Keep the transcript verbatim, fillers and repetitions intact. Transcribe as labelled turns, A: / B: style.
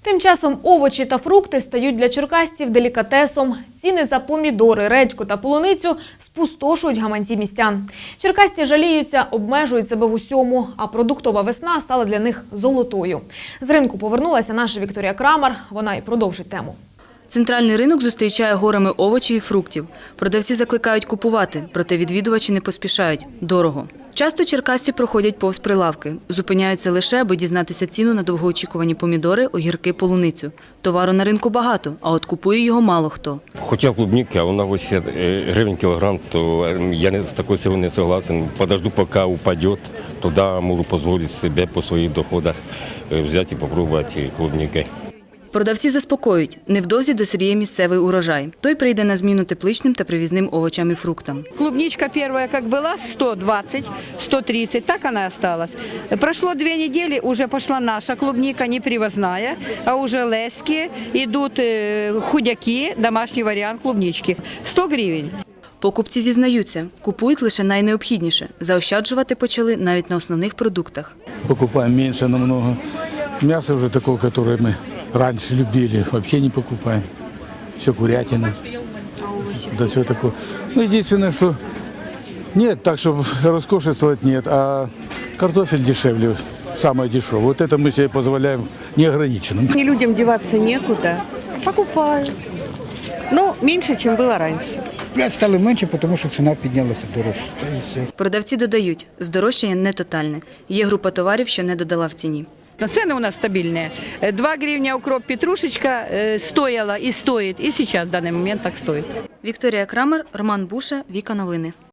A: Тим часом овочі та фрукти стають для черкасців делікатесом. Ціни за помідори, редьку та полуницю спустошують гаманці містян. Черкасці жаліються, обмежують себе в усьому, а продуктова весна стала для них золотою. З ринку повернулася наша Вікторія Крамар, вона і продовжить тему.
B: Центральний ринок зустрічає горами овочів і фруктів. Продавці закликають купувати, проте відвідувачі не поспішають – дорого. Часто черкасці проходять повз прилавки, зупиняються лише, аби дізнатися ціну на довгоочікувані помідори, огірки, полуницю. Товару на ринку багато, а от купує його мало хто.
C: Хотів клубники, а вона вісімдесят гривень кілограм, то я не, з такою ціною не согласен. Подожду, поки упаде, тоді можу дозволити собі по своїх доходах взяти і спробувати клубники.
B: Продавці заспокоюють – невдовзі дозріє місцевий урожай. Той прийде на зміну тепличним та привізним овочам і фруктам.
D: Клубничка первая как была, сто двадцать - сто тридцать, так она осталась. Прошло две недели, уже пошла наша клубника, не привозная, а уже лески, идут худяки, домашний вариант клубнички. сто гривен.
B: Покупці зізнаються – купують лише найнеобхідніше. Заощаджувати почали навіть на основних продуктах.
E: Покупаем меньше намного. Мясо уже такое, которое мы раньше любили, вообще не покупаем. Все курятина. Да все такое. Ну, единственное, что нет, так, чтобы роскошествовать нет, а картофель дешевле, самое дешевое. Вот это мы себе позволяем неограниченным.
F: Не людям деваться некуда. Покупаю. Но меньше, чем было раньше.
G: Купляти стали менше, тому що ціна піднялася дорожче. Та і все.
B: Продавці додають – здорожчання не тотальне. Є група товарів, що не додала в ціні.
D: Цены у нас стабильные. два гривня укроп, петрушечка стоила и стоит, и сейчас в данный момент так стоит.
B: Вікторія Крамер, Роман Буша, Віка Новини.